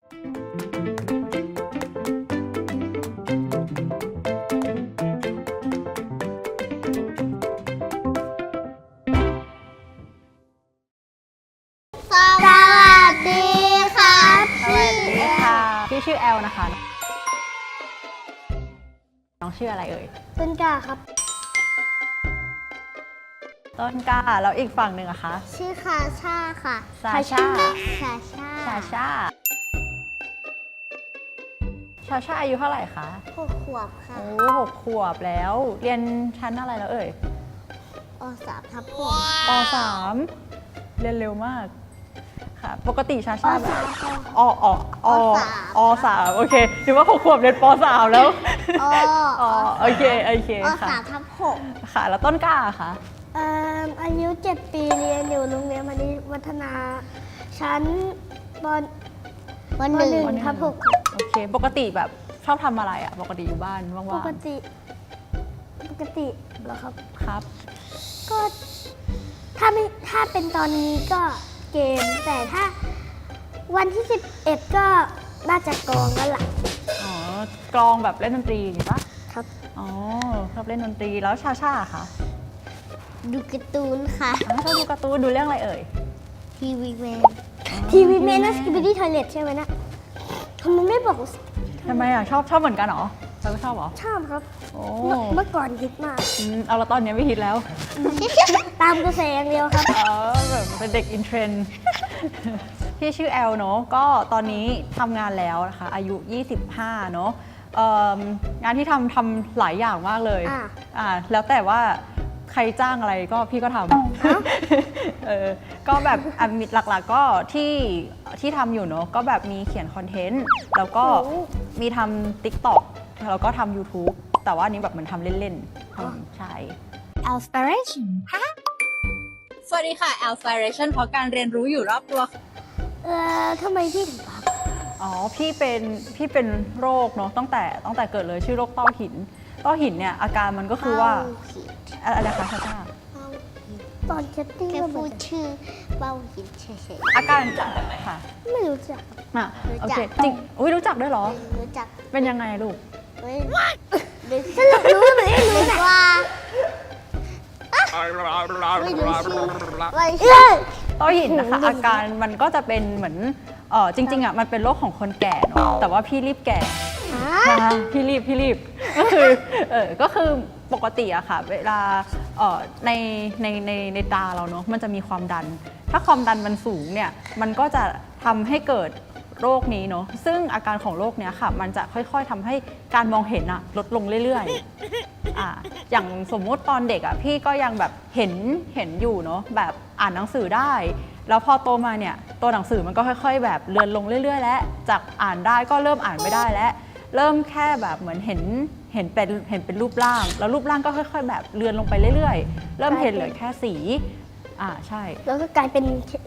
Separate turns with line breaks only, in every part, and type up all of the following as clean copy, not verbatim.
สวัสดีครับ
สวัสดีค่ะ พี่ชื่อแอลนะคะ น้องชื่ออะไรเอ่ย
ต้นกล้าครับ
ต้นกล้า แล้วอีกฝั่งหนึ่งอะคะ
ชื่อคาชาค่ะ
ซาชา
ชาชา
ชาชา ชาชาอายุเท่าไหร่คะ
6 ขวบค่ะ
โอ้6 ขวบแล้ว เรียนชั้นอะไรแล้วเอ่ย
3 ทับ6
ป .3 เรียนเร็วมาก ค่ะ ปกติชา
ป
ชาแบบ
3
อ3โอเคถือว่า6 ขวบเรียนป .3 แล้ว โอเคค่ะ
3 ทับ 6
ค่ะ แล้วต้นกล้าค่ะ
อายุ 7 ปีเรียนอยู่โรงเรียนมณีวัฒนา ชั้นป .1 ทับ 6 ครับ
โอเค ปกติแบบชอบทำอะไรอะปกติอยู่บ้านว่างๆ
ปกติเหรอครับ
ครับ
ก็ถ้าเป็นตอนนี้ก็เกม แต่ถ้าวันที่ 11 ก็น่าจะกลองแล้วล่ะ
อ๋อกลองแบบเล่นดนตรีอย่างงี้ปะ
ครับ
อ๋อชอบเล่นดนตรีแล้วชาชาค่ะ
ดูการ์ตูนค่ะ
ชอบดูการ์ตูนดูเรื่องอะไรเอ่ย
ทีวีแมนนั่นสกิปปี้ทอยเลทใช่ไหมนะทำไมไม่บอก
ทำไมอ่ะชอบเหมือนกันเหรอเธอก็ชอบเหรอ
ชอบครับ
โอ้
เมื่อก่อนฮิตมาก
เอาแล้วตอนนี้ไม่ฮิตแล้ว
ตามกระแสอย่างเดียวครับ
แบบเป็นเด็กอินเทรนด์ พี่ชื่อแอลเนาะก็ตอนนี้ทำงานแล้วนะคะอายุ 25 เนาะงานที่ทำหลายอย่างมากเลย แล้วแต่ว่าใครจ้างอะไรก็พี่ก็ทำก็แบบหลักๆก็ที่ทำอยู่เนาะก็แบบมีเขียนคอนเทนต์แล้วก็มีทำ TikTok แล้วก็ทำ YouTube แต่ว่าอันนี้แบบเหมือนทำเล่นๆใช่
Alspiration สวัสดีค่ะ Alspiration เพราะการเรียนรู้อยู่รอบตัว
ทำไมพี่ถึงพัก
อ๋อพี่เป็นโรคเนาะตั้งแต่เกิดเลยชื่อโรคต้อหินเนี่ยอาการมันก็คือว่าอะไรคะชาชา
ตอนเช็ดติ้ง
แค่
ก็
พูดชื่อเบ้าหินเฉย
อาการค่ะ
ไม่รู้จัก
โอเคจริงอุ้ยรู้จักด้วยเหรอ
ๆรู้จัก
เป็นยังไงลูก
ไหม
สรุปรู้หรือไม่รู้นะ
ว่าไม่รู้ชื่อไม่
ต้อหินนะคะอาการมันก็จะเป็นเหมือนจริงๆอ่ะมันเป็นโรคของคนแก่เนาะแต่ว่าพี่รีบแก่นะคะพี่รีบก็คือปกติอะค่ะเวลาในตาเราเนาะมันจะมีความดัน ถ้าความดันมันสูงเนี่ยมันก็จะทำให้เกิดโรคนี้เนาะซึ่งอาการของโรคเนี้ยค่ะมันจะค่อยๆทำให้การมองเห็นอะลดลงเรื่อยๆอย่างสมมุติตอนเด็กอะพี่ก็ยังแบบเห็นอยู่เนาะแบบอ่านหนังสือได้แล้วพอโตมาเนี่ยตัวหนังสือมันก็ค่อยๆแบบเลือนลงเรื่อยๆแล้วจากอ่านได้ก็เริ่มอ่านไม่ได้แล้วเริ่มแค่แบบเหมือนเห็นเป็นรูปร่างแล้วรูปร่างก็ค่อยๆแบบเลือนลงไปเรื่อยๆเริ่มเห็นเหลือแค่สีใช่
แล้วก็กลายเป็น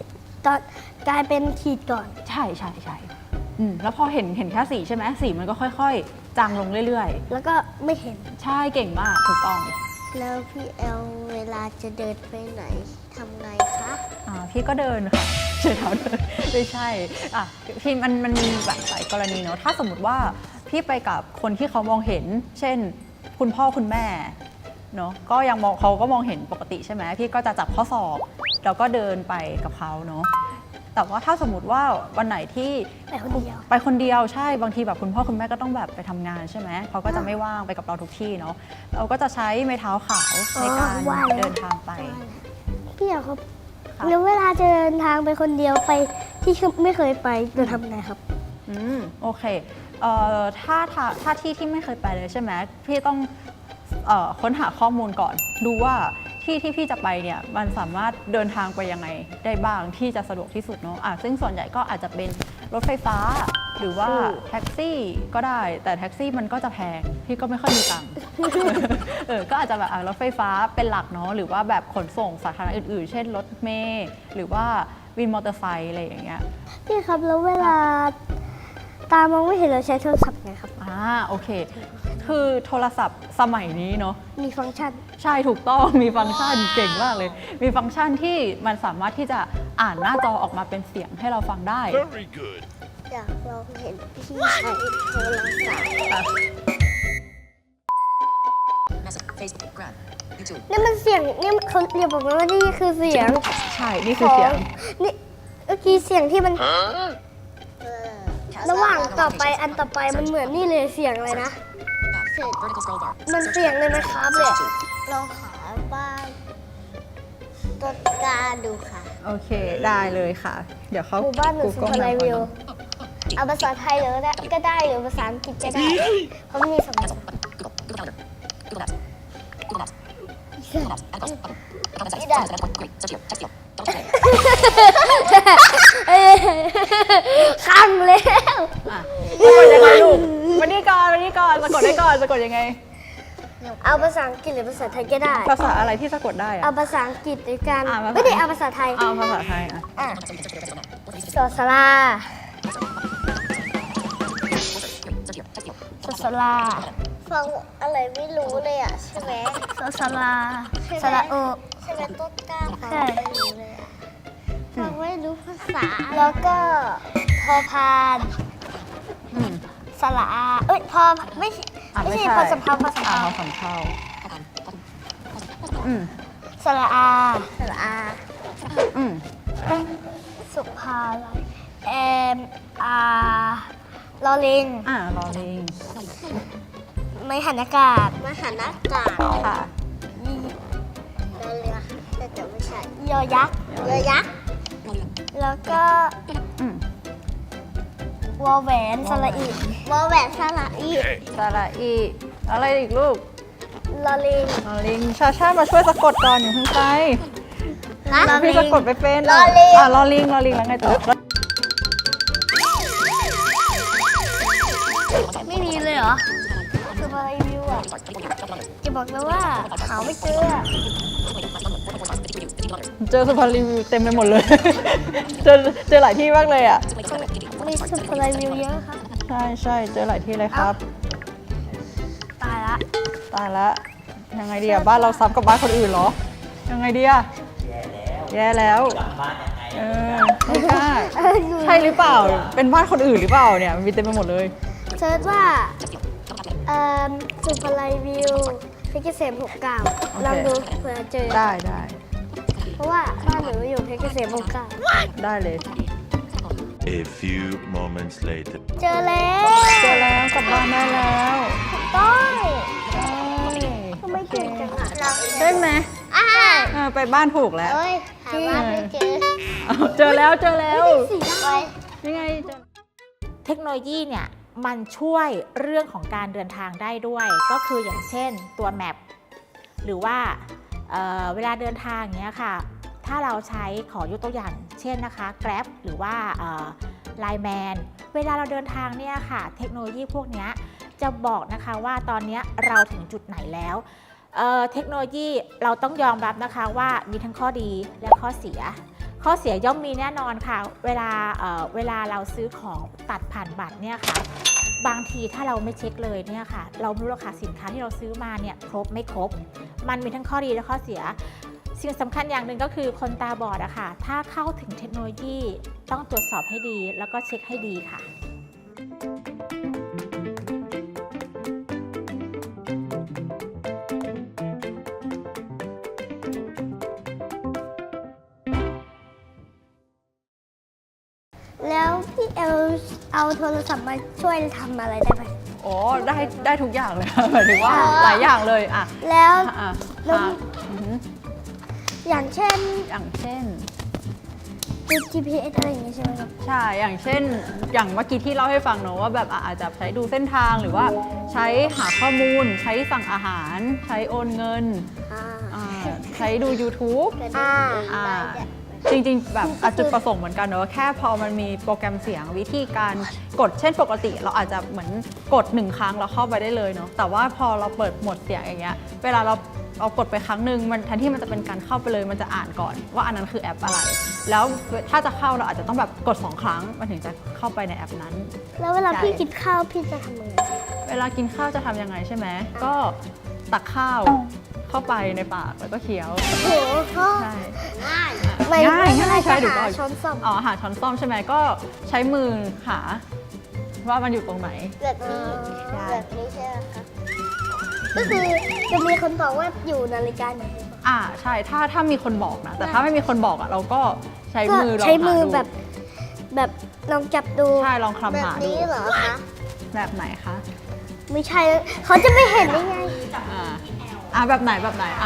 ขีดก่อน
ใช่แล้วพอเห็นแค่สีใช่ไหมสีมันก็ค่อยๆจางลงเรื่อย
แล้วก็ไม่เห็น
ๆใช่เก่งมากถูกต้อง
แล้วพี่แอลเวลาจะเดินไปไหนทำไงคะ
พี่ก็เดินค่ะใช้เท้าเดินไม่ใช่พี่มันมีแบบหลายกรณีเนาะถ้าสมมติว่าพี่ไปกับคนที่เขามองเห็น เช่นคุณพ่อคุณแม่เนาะก็ยังเขาก็มองเห็นปกติใช่ไหมพี่ก็จะจับข้อศอกแล้วก็เดินไปกับเขาเนาะแต่ว่าถ้าสมมติว่าวันไหนที่ไปคนเดียวใช่บางทีแบบคุณพ่อคุณแม่ก็ต้องแบบไปทำงานใช่ไหมเขาก็จะไม่ว่างไปกับเราทุกที่เนาะเราก็จะใช้ไม้เท้าขาวในการเดินทางไป
พี่อยากครับแล้วเวลาจะเดินทางไปคนเดียวไปที่ไม่เคยไปจะทำไงครับ
โอเคถ้าที่ไม่เคยไปเลยใช่ไหมพี่ต้องค้นหาข้อมูลก่อนดูว่าที่พี่จะไปเนี่ยมันสามารถเดินทางไปยังไงได้บ้างที่จะสะดวกที่สุดเนาะซึ่งส่วนใหญ่ก็อาจจะเป็นรถไฟฟ้าหรือว่าแท็กซี่ก็ได้แต่แท็กซี่มันก็จะแพงพี่ก็ไม่ค่อยมีตังค์ ก็อาจจะแบบรถไฟฟ้าเป็นหลักเนาะหรือว่าแบบขนส่งสาธารณะอื่นๆเช่นรถเมล์หรือว่าวินมอเตอร์ไซค์อะไรอย่างเงี้ย
พี่ครับแล้วเวลาตามองไม่เห็นเราใช้โทรศัพท์ไงครับ
โอเคคือโทรศัพท์สมัยนี้เนาะ
มีฟังก์ชัน
ใช่ถูกต้องมีฟังก์ชันเก่งมากเลยมีฟังก์ชันที่มันสามารถที่จะอ่านหน้าจอออกมาเป็นเสียงให้เราฟังได้
Very good.
อยากลองเห็นพี่ใช้โทรศัพท์
นี่มันเสียงนี่เขาเรียกบอกว่านี่คือเสียง
ใช่ นี่คือเสียง
นี่เมื่อกี้เสียงที่มัน
เออ
ระหว่างต่อไปอันต่อไปมันเหมือนนี่เลยเสียงอะไรนะ
เสร็จ
มันเสียงเลยนะครับเลย
ลองหาบ้านต้นกล้าดูค่ะ
โอเค ได้เลยค่ะ เดี๋ยวเขา
หมู่บ้านหนูสุ
Google
ภาลัย
มา
วิว
ก่อน
เอาภาษาไทยเลยก็ได้หรือภาษาอังกฤษก็ได้เพราะมันมีสองภาษาข้างแล้ว
อ่ะสะกดยังไงลูกวันนี้ก่อนสะกดได้ก่อนสะกดยังไง
เอาภาษาอังกฤษหรือภาษาไทยก็ได้
ภาษาอะไรที่สะกดได้อะ
เอาภาษาอังกฤษด้วยกัน
อ่ะภาษา
ไม่ได้เอาภาษาไทย
เอาภาษาไทยอ่ะ
อ่ะสอสลาสอสลา
ฟังอะไรไม่รู้เลยอ่ะใช่ไหม
สอสลาสระโอ
ใช่ไหมต้นกล้าฟัง
ใช่
ไม่รู้เลยอะฟังไม่รู้ภาษา
แล้วก็พอพาน
อืม
สระอาเอ้ยพอไม่ใช่
อ่ะ
ไม่ใช่พอสำเภาพอสำ
อ่ะ
เภา
พอสำเภาอืม
สระอา
สระอา
อืม
สุภาลัยเอ็มอาลอลิง
อ่ะรอลิง
ไม่หันอากาศ
มหานากาศ
ค่ะ
เรือแต่จะไม่ใช่
ยอยักษ์
เรือยักษ์
แล้วก็
อืม
วอแหวนสระอี
วอแหวนสระอี
สระอีอะไรอีกลูก
ลอลิง
รอลิงชาชามาช่วยสะกดก่อนอย่าเพิ่งไป
นะ
พี่สะกดไปเป็น
รอลิง
อ่ะรอลิงแล้วไงต่อ
ไม่มีเลยเหรอสุภาลัยวิวอ่ะจะบอกแล้วว่าหาไม่เจออะ
เจอสุพรรณรีวิวเต็มไปหมดเลย เจอหลายที่มากเลยอ่ะ
มีสุภาลัยวิวเยอะครับ
ใช่เจอหลายที่เลยครับ
ตายละ
ตายละยังไงดีอะบ้านเราซ้ำกับบ้านคนอื่นเหรอ ยังไงดีอะแย่แล้วเออไม่กล้าใช่หรือเปล่า เป็นบ้านคนอื่นหรือเปล่าเนี่ยมันมีเต็มไปหมดเลย
เซิร์ชว่าสุภาลัยวิวเพชรเกษม69ลองดูเผื่อเจอ
ได้
เพราะว่าบ้านหนูอยู่เพชรเกษม69
ได้เลย
A few moments later.
เจอแล้ว
เจอแล้วกลับบ้านได้แล้ว
ต้อง
ใช่
ทำไมเก่งจังอ่ะ
ใช่ไหมไปบ้านถูกแล้ว
เอ้ยหาบ้านไม่เจอ
เอาเจอแล้ว
ไป
ยังไงเจอ
เทคโนโลยีเนี่ยมันช่วยเรื่องของการเดินทางได้ด้วย ก็คืออย่างเช่นตัวแมปหรือว่าเวลาเดินทางเนี้ยค่ะ ถ้าเราใช้ขอยกตัวอย่างเช่นนะคะ Grab หรือว่าLine Man เวลาเราเดินทางเนี่ยค่ะเทคโนโลยีพวกเนี้ยจะบอกนะคะว่าตอนเนี้ยเราถึงจุดไหนแล้วเทคโนโลยีเราต้องยอมรับนะคะว่ามีทั้งข้อดีและข้อเสีย ข้อเสียย่อมมีแน่นอนค่ะเวลาเราซื้อของตัดผ่านบัตรเนี่ยค่ะบางทีถ้าเราไม่เช็คเลยเนี่ยค่ะเราไม่รู้ราคาสินค้าที่เราซื้อมาเนี่ยครบไม่ครบ มันมีทั้งข้อดีและข้อเสีย สิ่งสำคัญอย่างหนึ่งก็คือคนตาบอดอะค่ะถ้าเข้าถึงเทคโนโลยีต้องตรวจสอบให้ดีแล้วก็เช็คให้ดีค่ะ
แล้วพี่เอลเอาโทรศัพท์มาช่วยทำอะไรได้ไหม
โอ้ได้ทุกอย่างเลย หมายถึงว่าหลายอย่างเลยอ่ะ
แล้ว
อ่ะ
แล้ว
ค่ะอือหือ
อย่างเช่น
อย่างเช่น
ดู GPS อะไรอย่างงี้ใช่ไหมครับ
ใช่ อย่างเช่น อย่างเมื่อกี้ที่เล่าให้ฟังเนอะว่าแบบอาจจะใช้ดูเส้นทางหรือว่าใช้หาข้อมูล ใช้สั่งอาหาร ใช้โอนเงิน ใช้ดู YouTube อ่าจริงๆแบบจุดประสงค์เหมือนกันเนอะแค่พอมันมีโปรแกรมเสียงวิธีการกดเช่นปกติเราอาจจะเหมือนกด1ครั้งเราเข้าไปได้เลยเนาะแต่ว่าพอเราเปิดโหมดเสียงอย่างเงี้ยเวลาเรากดไปครั้งหนึ่งมันแทนที่มันจะเป็นการเข้าไปเลยมันจะอ่านก่อนว่าอันนั้นคือแอปอะไร แล้วถ้าจะเข้าเราอาจจะต้องแบบกด2ครั้งมันถึงจะเข้าไปในแอปนั้น
แล้วเวลา
ใช่
พี่กินข้าวพี่จะทำยังไง
เวลากินข้าวจะทำยังไงใช่ไหมก็ตักข้าวเข้าไปในปากแล้วก็เคี้ยว
โอ้โห
ใช่
ง่าย
ไม่
ง่ายใช่ถูกต้อง
หาช้อนส้อม
อ๋อหาช้อนส้อมใช่ไหมก็ใช้มือหาว่ามันอยู่ตรงไหน
แบบนี้
ใช่
แบบนี้ใช่ไหมคะ
ก็คือจะมีคนบอกว่าอยู่นาฬิกาไหน
ใช่ถ้ามีคนบอกนะ แต่ถ้าไม่มีคนบอกอ่ะเราก็ใช้มือลอง
ใช้มื
หา
อ
ดู
แบบลองจับดู
ใช่ลอง
แบ
คลำ
บ
หาดู
นี้เหรอคะ
แบบไหนคะ
ไม่ใช่เขาจะไม่เห็นได้ไง
แบบไหน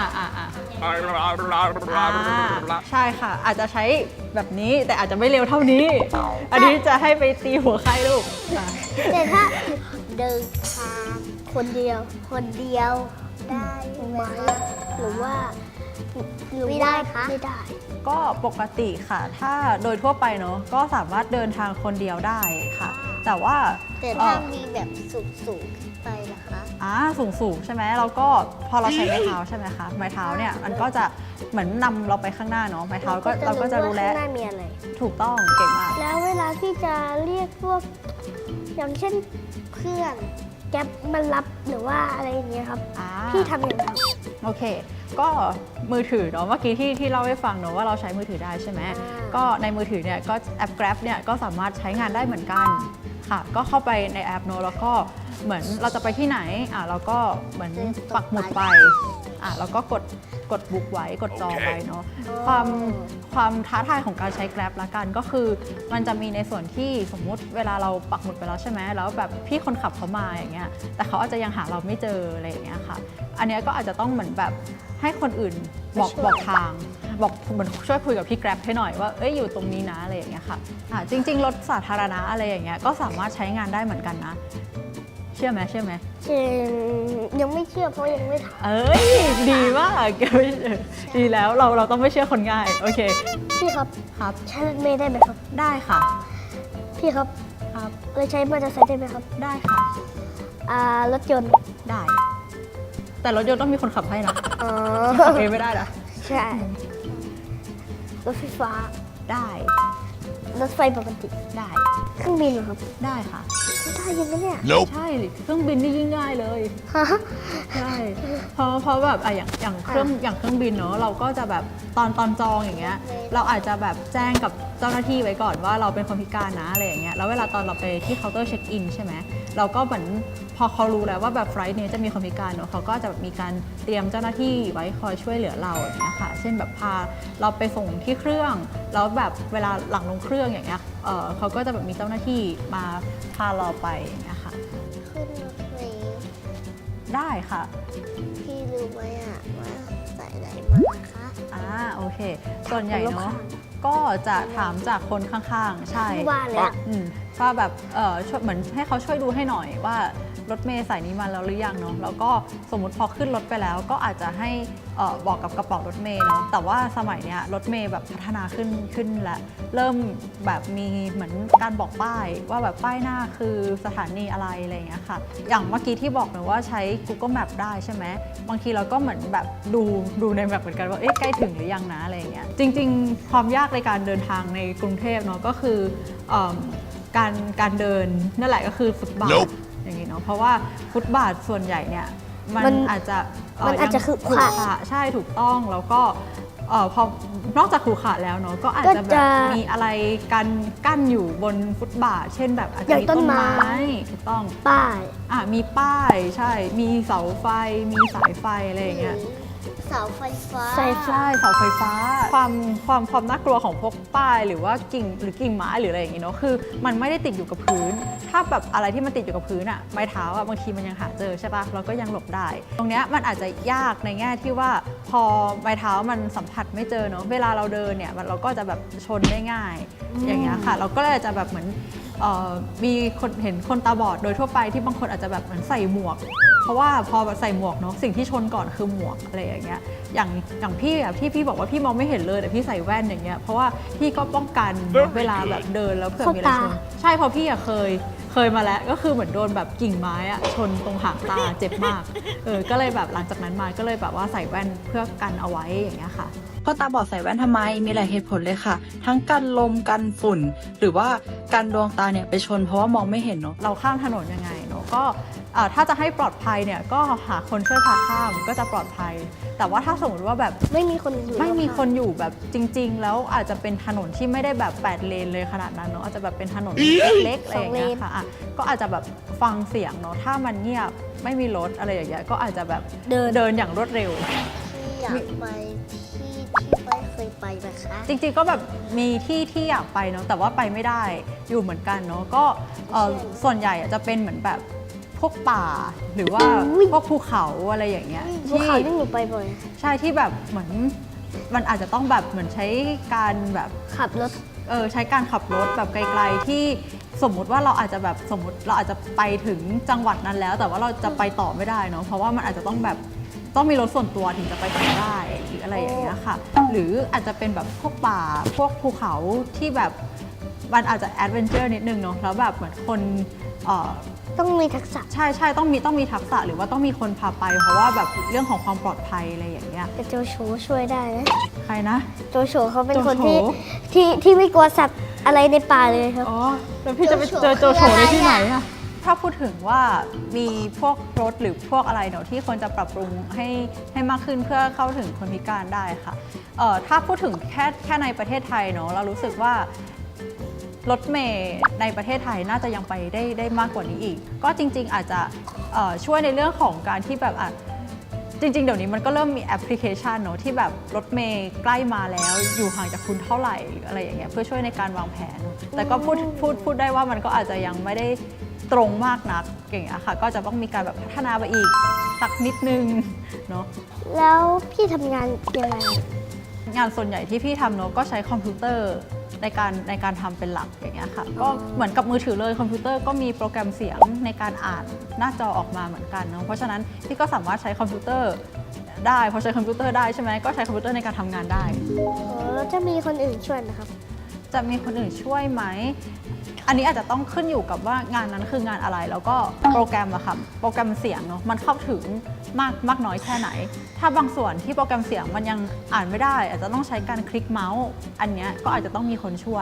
ใช่ค่ะ อาจจะใช้แบบนี้แต่อาจจะไม่เร็วเท่านี้ อันนี้จะให้ไปตีหัวใครลูกอ่ะ
แต่ถ้า
เดินทาง
คนเดียว
คนเดียวได้
ไหมหรือว่า
ไม่ได้คะ
ไม่ได้
ก็ปกติค่ะ ถ้าโดยทั่วไปเนอะก็สามารถเดินทางคนเดียวได้ค่ะ แต่ว่า
แต่ถ้ามีแบบสูงขึ้นไปล่ะคะ
สูงใช่ไหมเราก็พอเราใช้ไม้เท้าใช่ไหมคะไม้เท้าเนี่ยมันก็จะเหมือนนำเราไปข้างหน้าเนาะไม้เท้าก็เราก็จะรู้แล้ว
ข้างหน้ามีอะไร
ถูกต้องเก่งมาก
แล้วเวลาที่จะเรียกพวก อย่างเช่นเพื่อนแก๊ปมารับหรือว่าอะไรอย่างเงี้ยครับ พี่ทำยังไง
โอเค ก็มือถือเนาะเมื่อกี้ที่เล่าให้ฟังเนาะว่าเราใช้มือถือได้ใช่ไหม
อ่า
ก็ในมือถือเนี่ยก็แอป Grab เนี่ยก็สามารถใช้งานได้เหมือนกันค่ะ ก็เข้าไปในแอปเนาะแล้วก็เหมือนเราจะไปที่ไหนเราก็เหมือนปักหมุดไปแล้วก็กดบุ๊กไว้กดจองไว้เนาะความท้าทายของการใช้ Grab ละกันก็คือมันจะมีในส่วนที่สมมุติเวลาเราปักหมุดไปแล้วใช่ไหมแล้วแบบพี่คนขับเขามาอย่างเงี้ยแต่เขาอาจจะยังหาเราไม่เจออะไรอย่างเงี้ยค่ะ อันเนี้ยก็อาจจะต้องเหมือนแบบให้คนอื่นบอกทางบอกเหมือนช่วยคุยกับพี่ Grab ให้หน่อยว่าอยู่ตรงนี้นะอะไรอย่างเงี้ยค่ะจริงๆรถสาธารณะอะไรอย่างเงี้ยก็สามารถใช้งานได้เหมือนกันนะเชื่อไหม
ยังไม่เชื่อเพราะยังไม่ท
ดีมากดีแล้วเราต้องไม่เชื่อคนง่ายโอเค
ำพี่ครับ
ครับ
ใช้รถเมล์ได้ไหมครับ
ได้ค่ะ
พี่ครับ
ครับ
เลยใช้มอเตอร์ไซค์ได้ไหมครับ
ได้ค่ะ
รถยนต์
ได้ แต่รถยนต์ต้องมีคนขับให้นะ
อ๋อ
ขับเองไม่ได้นะ
ใช่รถไฟฟ้า
ได้
รถไฟปกติ
ได้
เครื่องบินเหรอครับ
ได้ค่ะ
ได้ยังไงเนี่ย
Nope.
ใช่เครื่องบินนี่ยิ่งง่ายเลย
ฮะ
ใช่เพราะแบบอย่างเครื่องบินเนอะเราก็จะแบบตอนจองอย่างเงี้ยเราอาจจะแบบแจ้งกับเจ้าหน้าที่ไว้ก่อนว่าเราเป็นคนพิการนะอะไรอย่างเงี้ยแล้วเวลาตอนเราไปที่เคาน์เตอร์เช็คอินใช่ไหมเราก็เหมือนพอเขารู้แล้วว่าแบบไฟล์นี้จะมีคนพิการเนอะเขาก็จะแบบมีการเตรียมเจ้าหน้าที่ไว้คอยช่วยเหลือเราอย่างเงี้ยค่ะเช่นแบบพาเราไปส่งที่เครื่องแล้วแบบเวลาหลังลงเครื่องอย่างเงี้ยเขาก็จะแบบมีเจ้าหน้าที่มาพาเราไปอย่างเงี้ยค่ะ
ขึ้นรถเมล์
ได้ค่ะ
พี่รู้ไหมอะว่าสายไหนมาคะ
โอเค ส่วนใหญ่เนาะก็จะถามจากคนข้างๆ ใช่
ที่ว่าเลยอะ
ว่าแบบช่วยเหมือนให้เขาช่วยดูให้หน่อยว่ารถเมล์สายนี้มาแล้วหรือยังเนาะแล้วก็สมมุติพอขึ้นรถไปแล้วก็อาจจะให้บอกกับกระเป๋ารถเมล์เนาะแต่ว่าสมัยเนี้ยรถเมล์แบบพัฒนาขึ้นและเริ่มแบบมีเหมือนการบอกป้ายว่าแบบป้ายหน้าคือสถานีอะไรอะไรอย่างเงี้ยค่ะอย่างเมื่อกี้ที่บอกเนะว่าใช้ Google Map ได้ใช่ไหมบางทีเราก็เหมือนแบบดูในแบบเหมือนกันว่าใกล้ถึงหรือยังนะอะไรอย่างเงี้ยจริงๆความยากในการเดินทางในกรุงเทพเนาะก็คือการเดินนั่นแหละก็คือฟุตบาท
Nope.
อย่างนี้เนาะเพราะว่าฟุตบาทส่วนใหญ่เนี่ยมันอาจจะ
มันอาจจะ
ยัง
ขรุขระ
ใช่ถูกต้องแล้วก็พอนอกจากขรุขระแล้วเนาะก็อาจจะแบ
ก็
บ
จะ
มีอะไรกั้นอยู่บนฟุตบาท เช่นแบบอาจ
อ
จะ
ย่าง
มี
ต้
ต้
น
น
ไม้
ไม้ถูกต้อง
ป้าย
มีป้ายใช่มีเสาไฟมีสายไฟอะไรอย่างเงี้ย
เสาไฟฟ้า
ใช่ค่ะ
ใช่เสาไฟฟ้าความน่ากลัวของพวกป้ายหรือว่ากิ่งไม้หรืออะไรอย่างงี้เนาะคือมันไม่ได้ติดอยู่กับพื้น ถ้าแบบอะไรที่มันติดอยู่กับพื้นอะไม้เท้าอะบางทีมันยังหาเจอใช่ปะเราก็ยังหลบได้ ตรงเนี้ยมันอาจจะยากในแง่ที่ว่าพอไม้เท้ามันสัมผัสไม่เจอเนาะเวลาเราเดินเนี่ยเราก็จะแบบชนได้ง่าย อย่างเงี้ยค่ะ เราก็เลยจะแบบเหมือนมีคนเห็นคนตาบอดโดยทั่วไปที่บางคนอาจจะแบบเหมือนใส่หมวก เพราะว่าพอใส่หมวกเนาะสิ่งที่ชนก่อนคือหมวกอะไรอย่างเงี้ยอย่างพี่อะที่พี่บอกว่าพี่มองไม่เห็นเลยแต่พี่ใส่แว่นอย่างเงี้ยเพราะว่าพี่ก็ป้องกันเวลาแบบเดินแล้วเผื่อมีอะไรชนใช่เพราะพี่อะเคยมาแล้วก็คือเหมือนโดนแบบกิ่งไม้อะชนตรงหางตาเจ็บมากก็เลยแบบหลังจากนั้นมาก็เลยแบบว่าใส่แว่นเพื่อกันเอาไว้อย่างเงี้ยค่ะ
คนตาบอดใส่แว่นทำไม มีหลายเหตุผลเลยค่ะ ทั้งกันลมกันฝุ่น หรือว่ากันดวงตาเนี่ยไปชนเพราะว่ามองไม่เห็นเนาะ
เราข้ามถนนยังไงเนาะก็ถ้าจะให้ปลอดภัยเนี่ยก็หาคนช่วยพาข้ามก็จะปลอดภัย แต่ว่าถ้าสมมติว่าแบบ
ไม่มีคนอยู่
ไม่มีคนอยู่แบบจริงๆ แล้วอาจจะเป็นถนนที่ไม่ได้แบบ8 เลนเลยขนาดนั้นเนาะอาจจะแบบเป็นถนนเล็กๆอะไรอย่างเงี้ยค่ะก็อาจจะแบบฟังเสียงเนาะถ้ามันเงียบไม่มีรถอะไรอย่างเงี้ยก็อาจจะแบบเดินอย่างรวดเร็ว
ที่อยากไปที่ไม่เคยไปนะคะ
จริงๆก็แบบมีที่อยากไปเนาะแต่ว่าไปไม่ได้อยู่เหมือนกันเนาะก็ส่วนใหญ่จะเป็นเหมือนแบบพวกป่าหรือว่าพวกภูเขาอะไรอย่างเงี้ย
ภูเขาที่หนูไปบ่อย
ใช่ที่แบบเหมือนมันอาจจะต้องแบบเหมือนใช้การแบบ
ขับรถ
ใช้การขับรถแบบไกลๆที่สมมุติว่าเราอาจจะแบบสมมติเราอาจจะไปถึงจังหวัดนั้นแล้ว แต่ว่าเราจะไปต่อไม่ได้เนาะเพราะว่ามันอาจจะต้องแบบต้องมีรถส่วนตัวถึงจะไปถึงได้หรืออะไรอย่างเงี้ยค่ะหรืออาจจะเป็นแบบพวกป่าพวกภูเขาที่แบบมันอาจจะแอดเวนเจอร์นิดนึงเนาะแล้วแบบเหมือนคน
ต้องมีทักษะ
ใช่ต้องมีทักษะหรือว่าต้องมีคนพาไปเพราะว่าแบบเรื่องของความปลอดภัยอะไรอย่างเงี้ย
แต่โจโฉช่วยได้นะ
ใครนะ
โจโฉเขาเป็นคน
โจโฉ
ที่ไม่กลัวสัตว์อะไรในป่าเลยครับ
อ๋อแล้วพี่จะไปเจอโจโฉได้ที่ไหนอะถ้าพูดถึงว่ามีพวกรถหรือพวกอะไรเนาะที่ควรจะปรับปรุงให้มากขึ้นเพื่อเข้าถึงคนพิการได้ค่ะถ้าพูดถึงแค่ในประเทศไทยเนาะเรารู้สึกว่ารถเมล์ในประเทศไทยน่าจะยังไปได้มากกว่านี้อีกก็จริงๆอาจจะช่วยในเรื่องของการที่แบบจริงๆเดี๋ยวนี้มันก็เริ่มมีแอปพลิเคชันเนอะที่แบบรถเมล์ใกล้มาแล้วอยู่ห่างจากคุณเท่าไหร่หรืออะไรอย่างเงี้ยเพื่อช่วยในการวางแผน แต่ก็พูดได้ว่ามันก็อาจจะยังไม่ได้ตรงมากนักอย่างเงี้ยค่ะก็จะต้องมีการแบบพัฒนาไปอีกสักนิดนึงเนาะ
แล้วพี่ทำงานยังไง
งานส่วนใหญ่ที่พี่ทำเนาะก็ใช้คอมพิวเตอร์ในการทำเป็นหลักอย่างเงี้ยค่ะก็เหมือนกับมือถือเลยคอมพิวเตอร์ก็มีโปรแกรมเสียงในการอ่านหน้าจอออกมาเหมือนกันเนาะเพราะฉะนั้นพี่ก็สามารถใช้คอมพิวเตอร์ได้พอใช้คอมพิวเตอร์ได้ใช่ไหมก็ใช้คอมพิวเตอร์ในการทำงานได้
แล้วจะมีคนอื่นช่วยนะครับ
จะมีคนอื่นช่วยไหมอันนี้อาจจะต้องขึ้นอยู่กับว่างานนั้นคืองานอะไรแล้วก็โปรแกรมอะค่ะโปรแกรมเสียงเนาะมันเข้าถึงมากน้อยแค่ไหน ถ้าบางส่วนที่โปรแกรมเสียงมันยังอ่านไม่ได้อาจจะต้องใช้การคลิกเมาส์อันเนี้ยก็อาจจะต้องมีคนช่วย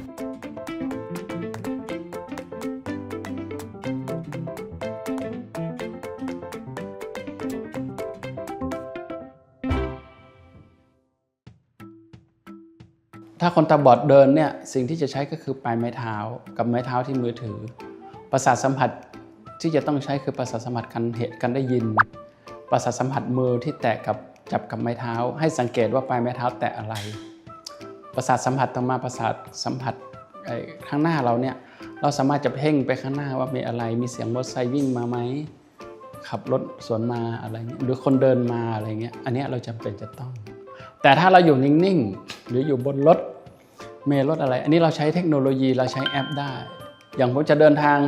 ถ้าคนตาบอดเดินเนี่ยสิ่งที่จะใช้ก็คือปลายไม้เท้ากับไม้เท้าที่มือถือประสาทสัมผัสที่จะต้องใช้คือประสาทสัมผัสการได้ยินประสาทสัมผัสมือที่แตะกับจับกับไม้เท้าให้สังเกตว่าปลายไม้เท้าแตะอะไรประสาทสัมผัสต่อมาประสาทสัมผัสข้างหน้าเราเนี่ยเราสามารถจะเพ่งไปข้างหน้าว่ามีอะไรมีเสียงมอเตอร์ไซค์วิ่งมาไหมขับรถสวนมาอะไรเงี้ยหรือคนเดินมาอะไรเงี้ยอันนี้เราจำเป็นจะต้องแต่ถ้าเราอยู่นิ่งๆหรืออยู่บนรถเมล์รถอะไรอันนี้เราใช้เทคโนโลยีเราใช้แอปได้อย่างผมจะเดินทาง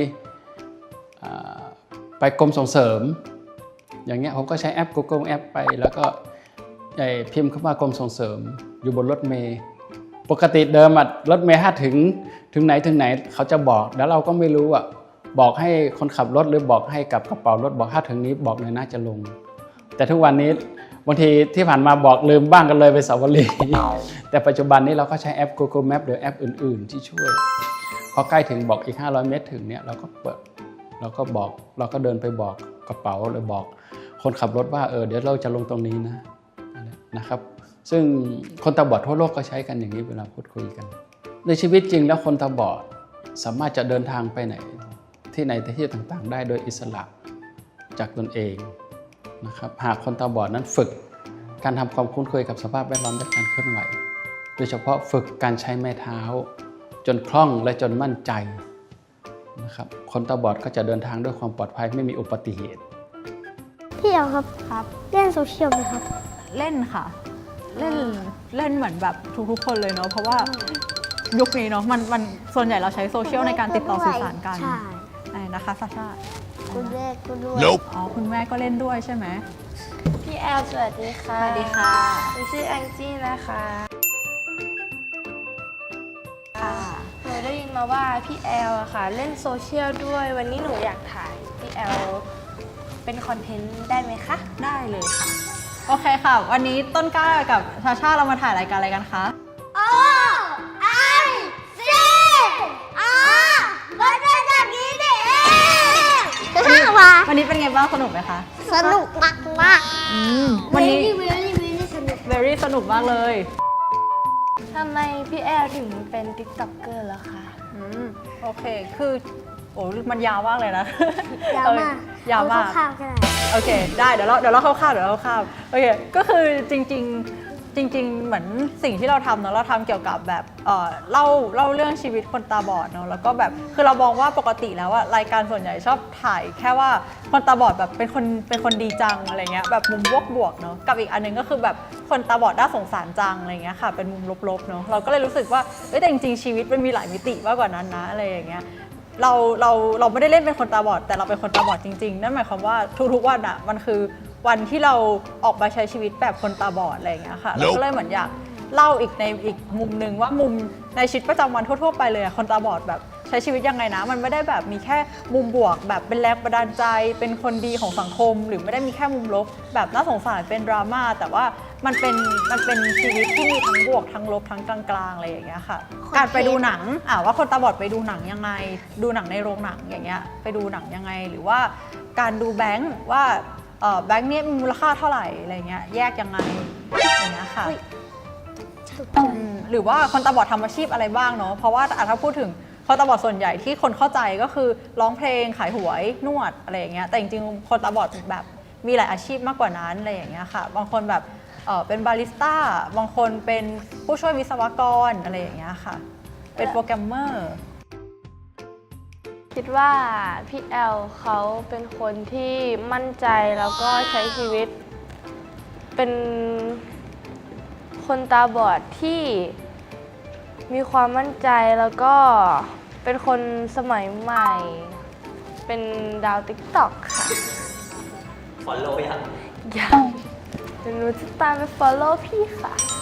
ไปกรมส่งเสริมอย่างเงี้ยผมก็ใช้แอป Google แอปไปแล้วก็พิมพ์คำว่ากรมส่งเสริมอยู่บนรถเมล์ปกติเดิมรถเมล์ถ้าถึงไหนเขาจะบอกแล้วเราก็ไม่รู้บอกให้คนขับรถหรือบอกให้กับกระเป๋ารถบอกถ้าถึงนี้บอกเลยน่าจะลงแต่ทุกวันนี้บางทีที่ผ่านมาบอกลืมบ้างกันเลยไปสาวรีแต่ปัจจุบันนี้เราก็ใช้แอป Google Map หรือแอปอื่นๆที่ช่วยพอใกล้ถึงบอกอีก500 เมตรถึงเนี่ยเราก็เปิดเราก็เดินไปบอกกระเป๋าหรือบอกคนขับรถว่าเดี๋ยวเราจะลงตรงนี้นะครับซึ่งคนตาบอดทั่วโลกก็ใช้กันอย่างนี้เวลาพูดคุยกันในชีวิตจริงแล้วคนตาบอดสามารถจะเดินทางไปไหนที่ต่างๆได้โดยอิสระจากตนเองนะครับหากคนตาบอดนั้นฝึกการทำความคุ้นเคยกับสภาพแวดล้อมและการเคลื่อนไหวโดยเฉพาะฝึกการใช้ไม้เท้าจนคล่องและจนมั่นใจนะครับคนตาบอดก็จะเดินทางด้วยความปลอดภัยไม่มีอุบัติเหตุ
พี่เอาครับ
ครับ
เล่นโซเชียลไหมครับ
เล่นค่ะเล่นเหมือนแบบทุกๆคนเลยเนาะเพราะว่ายุคนี้เนาะมันส่วนใหญ่เราใช้โซเชียลในการติดต่อสื่อสารกัน
ใช่
นะคะซาชา
คุณแม่ก็ด้วย
อ๋อคุณแม่ก็เล่นด้วยใช่ไหม
พี่แอลสวัสดีค่ะ
สวัสดีค่ะ
หนูชื่อแองจี้นะคะหนูได้ยินมาว่าพี่แอลอะค่ะเล่นโซเชียลด้วยวันนี้หนูอยากถ่ายพี่แอลเป็นคอนเทนต์ได้ไหมคะ
ได้เลยค่ะโอเคค่ะวันนี้ต้นกล้ากับชาชาเรามาถ่ายรายการอะไรกันคะ
มันเป็นแบบนี้นี่เอง
วันนี้เป็นไงบ้างสนุกไหมคะ
สนุกมากมาก
วันนี้
very สนุก
very สนุกมากเลย
ทำไมพี่แอลถึงเป็น TikToker ล่ะคะ
โอเค คือโอ้มันยาวมากเลยนะ
ยาวมาก
ยาวมาก
เอข้าวๆก็ได้
โอเค ได้เดี๋ยวเราเข้าโอเค ก็คือจริงเหมือนสิ่งที่เราทำเนาะเราทำเกี่ยวกับแบบเล่าเรื่องชีวิตคนตาบอดเนาะแล้วก็แบบคือเรามองว่าปกติแล้วอะรายการส่วนใหญ่ชอบถ่ายแค่ว่าคนตาบอดแบบเป็นคนดีจังอะไรเงี้ยแบบมุมบวกเนาะกับอีกอันนึงก็คือแบบคนตาบอดน่าสงสารจังอะไรเงี้ยค่ะเป็นมุมลบๆเนาะเราก็เลยรู้สึกว่าแต่จริงๆชีวิตมันมีหลายมิติมากกว่านั้นนะอะไรอย่างเงี้ยเราไม่ได้เล่นเป็นคนตาบอดแต่เราเป็นคนตาบอดจริงๆนั่นหมายความว่าทุกๆวันอะมันคือวันที่เราออกมาใช้ชีวิตแบบคนตาบอดอะไรอย่างเงี้ยค่ะเราก็เลยเหมือนอยากเล่าอีกในอีกมุมหนึ่งว่ามุมในชีวิตประจำวันทั่วๆไปเลยคนตาบอดแบบใช้ชีวิตยังไงนะมันไม่ได้แบบมีแค่มุมบวกแบบเป็นแรงบันดาลใจเป็นคนดีของสังคม หรือไม่ได้มีแค่มุมลบแบบน่าสงสารเป็นดราม่าแต่ว่ามันเป็นชีวิตที่มีทั้งบวกทั้งลบทั้งกลางๆอะไรอย่างเงี้ยค่ะการไปดูหนังว่าคนตาบอดไปดูหนังยังไงดูหนังในโรงหนังอย่างเงี้ยไปดูหนังยังไงหรือว่าการดูแบงค์ว่าแบงค์นี้มีมูลค่าเท่าไหร่อะไรเงี้ยแยกยังไงอย่างเงี้ยค่ะหรือว่าคนตาบอดทำอาชีพอะไรบ้างเนาะเพราะว่าถ้าพูดถึงคนตาบอดส่วนใหญ่ที่คนเข้าใจก็คือร้องเพลงขายหวยนวดอะไรอย่างเงี้ยแต่จริงๆคนตาบอดแบบมีหลายอาชีพมากกว่านั้นอะไรอย่างเงี้ยค่ะบางคนแบบเป็นบาริสต้าบางคนเป็นผู้ช่วยวิศวกรอะไรอย่างเงี้ยค่ะเป็นโปรแกรมเมอร์
คิดว่าพี่แอลเขาเป็นคนที่มั่นใจแล้วก็ใช้ชีวิตเป็นคนตาบอดที่มีความมั่นใจแล้วก็เป็นคนสมัยใหม่ เป็นดาว TikTok ค่ะ
follow ยัง
ยังเดี๋ยวหนูจะตามไป follow พี่ค่ะ